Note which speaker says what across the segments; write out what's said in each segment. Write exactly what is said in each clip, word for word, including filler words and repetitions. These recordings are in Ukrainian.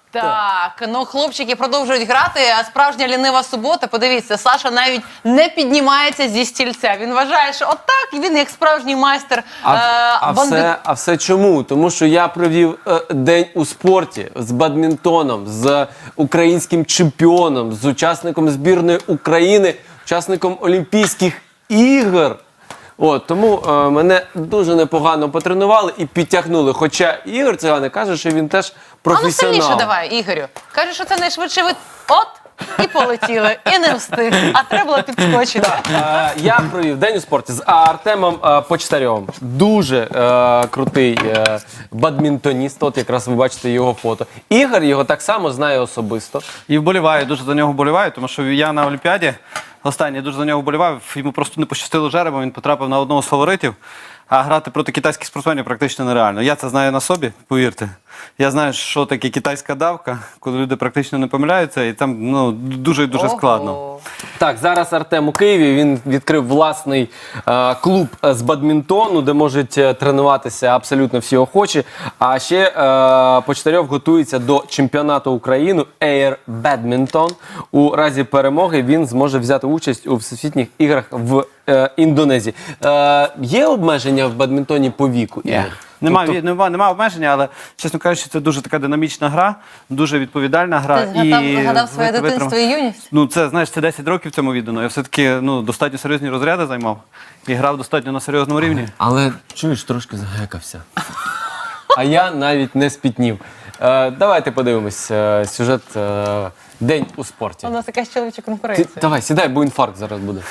Speaker 1: Так, ну хлопчики продовжують грати, а справжня лінива субота, подивіться, Саша навіть не піднімається зі стільця. Він вважає, що отак, він як справжній майстер
Speaker 2: А,
Speaker 1: е,
Speaker 2: а,
Speaker 1: бандит...
Speaker 2: все, а все чому? Тому що я провів е, день у спорті з бадмінтоном, з українським чемпіоном, з учасником збірної України, учасником Олімпійських ігор. От, тому е, мене дуже непогано потренували і підтягнули. Хоча Ігор Циганик каже, що він теж
Speaker 1: А ну
Speaker 2: професіонал.
Speaker 1: сильніше давай, Ігорю. Каже, що це найшвидший вид. От, і полетіли, і не встиг. А треба було підскочити.
Speaker 2: Е, Я провів день у спорті з Артемом е, Почтарьовим. Дуже е, крутий е, бадмінтоніст. От якраз ви бачите його фото. Ігор його так само знає особисто.
Speaker 3: І вболіваю, дуже за нього вболіваю, тому що я на Олімпіаді останній дуже за нього вболівав. Йому просто не пощастило жеребом, він потрапив на одного з фаворитів. А грати проти китайських спортсменів практично нереально. Я це знаю на собі, повірте. Я знаю, що таке китайська давка, коли люди практично не помиляються, і там ну, дуже і дуже
Speaker 1: Ого.
Speaker 3: складно.
Speaker 2: Так, зараз Артем у Києві, він відкрив власний е, клуб з бадмінтону, де можуть е, тренуватися абсолютно всі охочі. А ще е, Почтарьов готується до чемпіонату України Air Badminton. У разі перемоги він зможе взяти участь у всесвітніх іграх в е, Індонезії. Е, є обмеження в бадмінтоні по віку? Ігор?
Speaker 3: Немає,
Speaker 2: Тобто-
Speaker 3: немає, немає обмеження, але, чесно кажучи, це дуже така динамічна гра, дуже відповідальна гра.
Speaker 1: Ти згадав, згадав своє
Speaker 3: витримав-
Speaker 1: дитинство і юність?
Speaker 3: Ну, це, знаєш, це десять років цьому віддано. Я все-таки ну, достатньо серйозні розряди займав і грав достатньо на серйозному рівні.
Speaker 2: Але, чуєш, трошки загекався. А я навіть не спітнів. Е, давайте подивимось е, сюжет е, «День у спорті».
Speaker 1: У нас якась чоловіча
Speaker 2: Ти,
Speaker 1: конкуренція.
Speaker 2: давай, сідай, бо інфаркт зараз буде.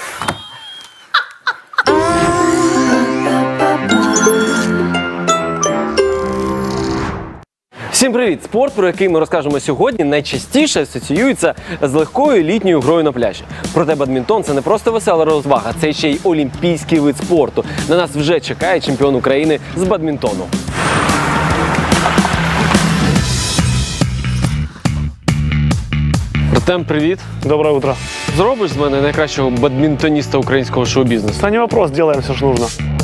Speaker 2: Всім привіт! Спорт, про який ми розкажемо сьогодні, найчастіше асоціюється з легкою літньою грою на пляжі. Проте бадмінтон – це не просто весела розвага, це ще й олімпійський вид спорту. На нас вже чекає чемпіон України з бадмінтону. Артем, привіт!
Speaker 4: Доброе утро.
Speaker 2: Зробиш з мене найкращого бадмінтоніста українського шоу-бізнесу?
Speaker 4: Да не вопрос, делаем все, что нужно.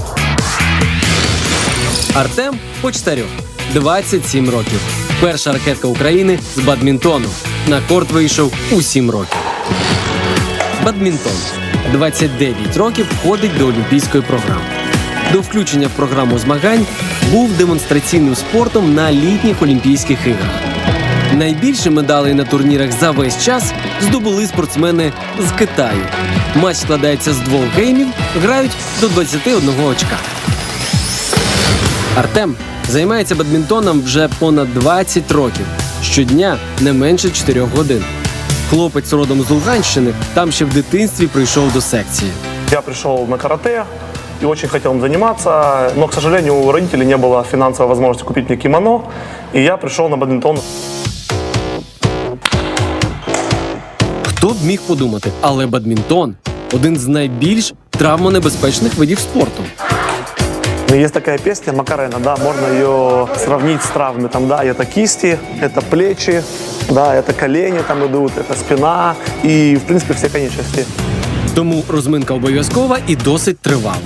Speaker 5: Артем Почтарьов, двадцять сім років. Перша ракетка України з бадмінтону. На корт вийшов у сім років. Бадмінтон. двадцять дев'ять років входить до олімпійської програми. До включення в програму змагань був демонстраційним спортом на літніх Олімпійських іграх. Найбільше медалей на турнірах за весь час здобули спортсмени з Китаю. Матч складається з двох геймів, грають до двадцяти одного очка. Артем займається бадмінтоном вже понад двадцять років. Щодня не менше чотирьох годин. Хлопець родом з Луганщини, там ще в дитинстві прийшов до секції.
Speaker 4: Я пришел на карате и очень хотел им заниматься, но, к сожалению, у родителей не было финансовой возможности купить мне кимоно, и я пришел на бадминтон.
Speaker 5: Хто б міг подумати, але бадмінтон – один з найбільш травмонебезпечних видів спорту.
Speaker 4: Ну, есть такая песня Макарена, да, можно ее сравнить с травмами, там, да, это кисти, это плечи, да, это колени там идут, это спина и, в принципе, все конечности.
Speaker 5: Тому розминка обов'язкова і досить тривала.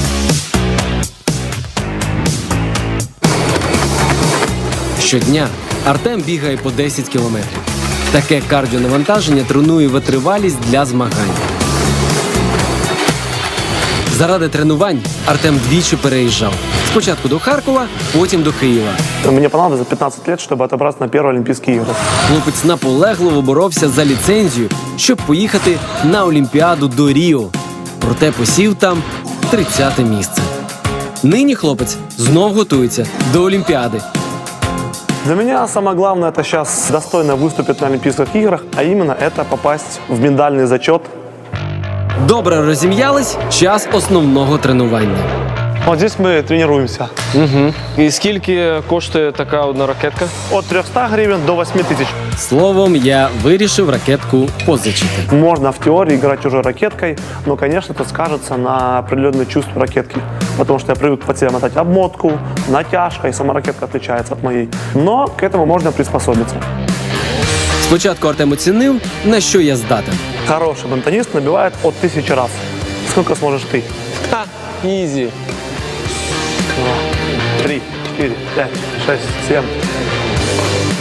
Speaker 5: Щодня Артем бігає по десять кілометрів. Таке кардіонавантаження тренує витривалість для змагань. Заради тренувань Артем двічі переїжджав. Спочатку до Харкова, потім до Києва.
Speaker 4: Мне понадобилось за пятнадцать лет, чтобы отобраться на первые Олимпийские игры.
Speaker 5: Хлопець наполегливо боровся за ліцензію, щоб поїхати на Олімпіаду до Ріо. Проте посів там тридцяте місце. Нині хлопець знов готується до Олімпіади.
Speaker 4: Для меня самое главное это сейчас достойно выступить на Олимпийских играх, а именно это попасть в медальный зачет.
Speaker 5: Добре розім'ялись, час основного тренування.
Speaker 4: Вот здесь мы тренируемся.
Speaker 2: Угу. І скільки коштує така одна ракетка?
Speaker 4: От трехсот гривен до восьми тысяч.
Speaker 5: Словом, я вирішив ракетку позичити.
Speaker 4: Можно в теории играть уже ракеткой, но, конечно, это скажется на определенное чувство ракетки. Потому что я привык под себя мотать обмотку, натяжка, и сама ракетка отличается от моей. Но к этому можно приспособиться.
Speaker 5: Спочатку Артем оцінив, на що я здатен.
Speaker 4: Хороший бадминтонист набивает от тысячи раз. Сколько сможешь ты?
Speaker 2: Ха, ізі.
Speaker 4: Два, три, четыре, пять, шесть, семь.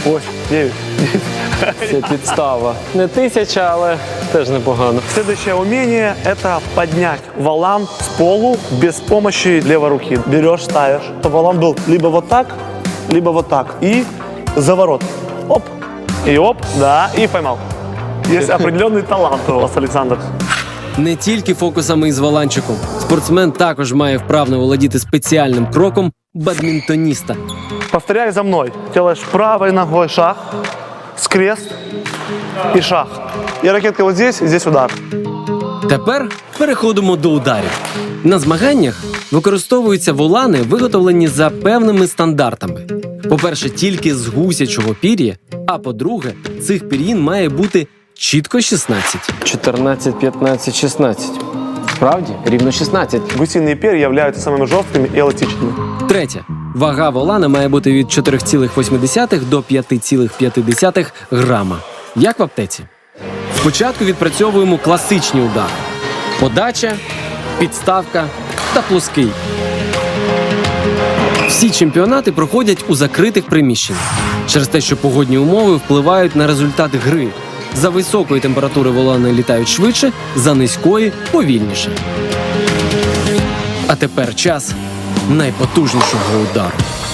Speaker 4: Ой, девять.
Speaker 2: Це підстава. Не тисяча, але теж непогано.
Speaker 4: Следующее умение – это поднять валан с полу без помощи левой руки. Берешь, ставишь, чтобы валан был либо вот так, либо вот так. И заворот. Оп. И оп, да, и поймал. Есть определенный талант у вас, Александр.
Speaker 5: Не тільки фокусами із валанчиком. Спортсмен також має вправно володіти спеціальним кроком бадмінтоніста.
Speaker 4: Повторяй за мной. Делаешь правой ногой шаг, скрест и шаг. И ракетка вот здесь, и здесь удар.
Speaker 5: Тепер переходимо до ударів. На змаганнях використовуються волани, виготовлені за певними стандартами. По-перше, тільки з гусячого пір'я, а по-друге, цих пір'їн має бути чітко шістнадцять.
Speaker 2: чотирнадцять, п'ятнадцять, шістнадцять. Справді? Рівно шістнадцять.
Speaker 4: Гусиные перья являются самыми жесткими и эластичными.
Speaker 5: Третє. Вага волана має бути від чотири цілих вісім десятих до п'ять цілих п'ять десятих грама. Як в аптеці. Спочатку відпрацьовуємо класичні удари. Подача, підставка та плоский. Всі чемпіонати проходять у закритих приміщеннях. Через те, що погодні умови впливають на результат гри. За високої температури волани літають швидше, за низької – повільніше. А тепер час найпотужнішого удару.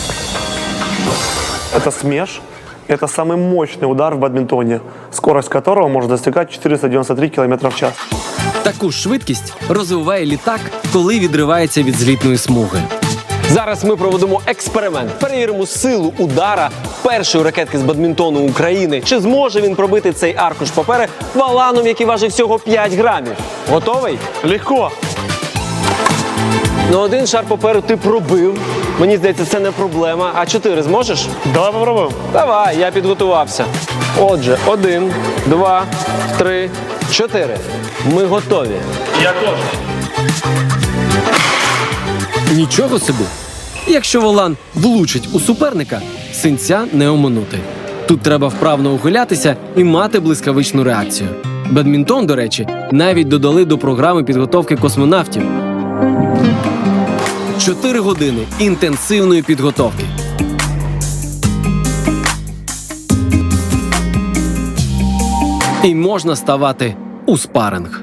Speaker 4: Это смеш. Это самый мощный удар в бадминтоне, скорость которого может достигать четыреста девяносто три километра в час.
Speaker 5: Таку ж швидкість розвиває літак, коли відривається від злітної смуги.
Speaker 2: Зараз ми проведемо експеримент. Перевіримо силу удара першої ракетки з бадмінтону України. Чи зможе він пробити цей аркуш папери валаном, який важить всього п'ять грамів? Готовий?
Speaker 4: Легко.
Speaker 2: Ну, один шар паперу ти пробив. Мені здається, це не проблема. А чотири зможеш?
Speaker 4: Давай попробуем.
Speaker 2: Давай, я підготувався. Отже, один, два, три, чотири. Ми готові.
Speaker 5: Нічого собі! Якщо волан влучить у суперника, синця не оминути. Тут треба вправно ухилятися і мати блискавичну реакцію. Бадмінтон, до речі, навіть додали до програми підготовки космонавтів. Чотири години інтенсивної підготовки. І можна ставати у спаринг.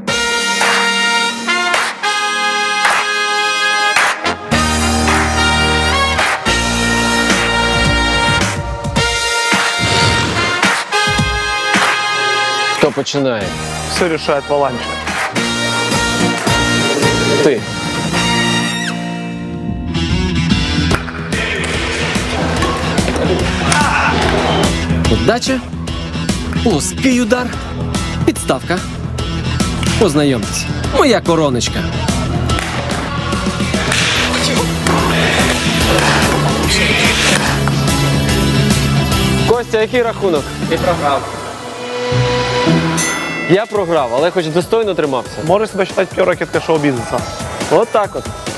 Speaker 2: Хто починає?
Speaker 4: Все решает валанчик.
Speaker 2: Ти.
Speaker 5: Подача, плоский удар, підставка. Познайомтесь, моя короночка.
Speaker 2: Костя, який рахунок? Ти програв. Я програв, але хоч достойно тримався.
Speaker 4: Можешь себя считать первой ракеткой шоу-бизнеса.
Speaker 2: От так от.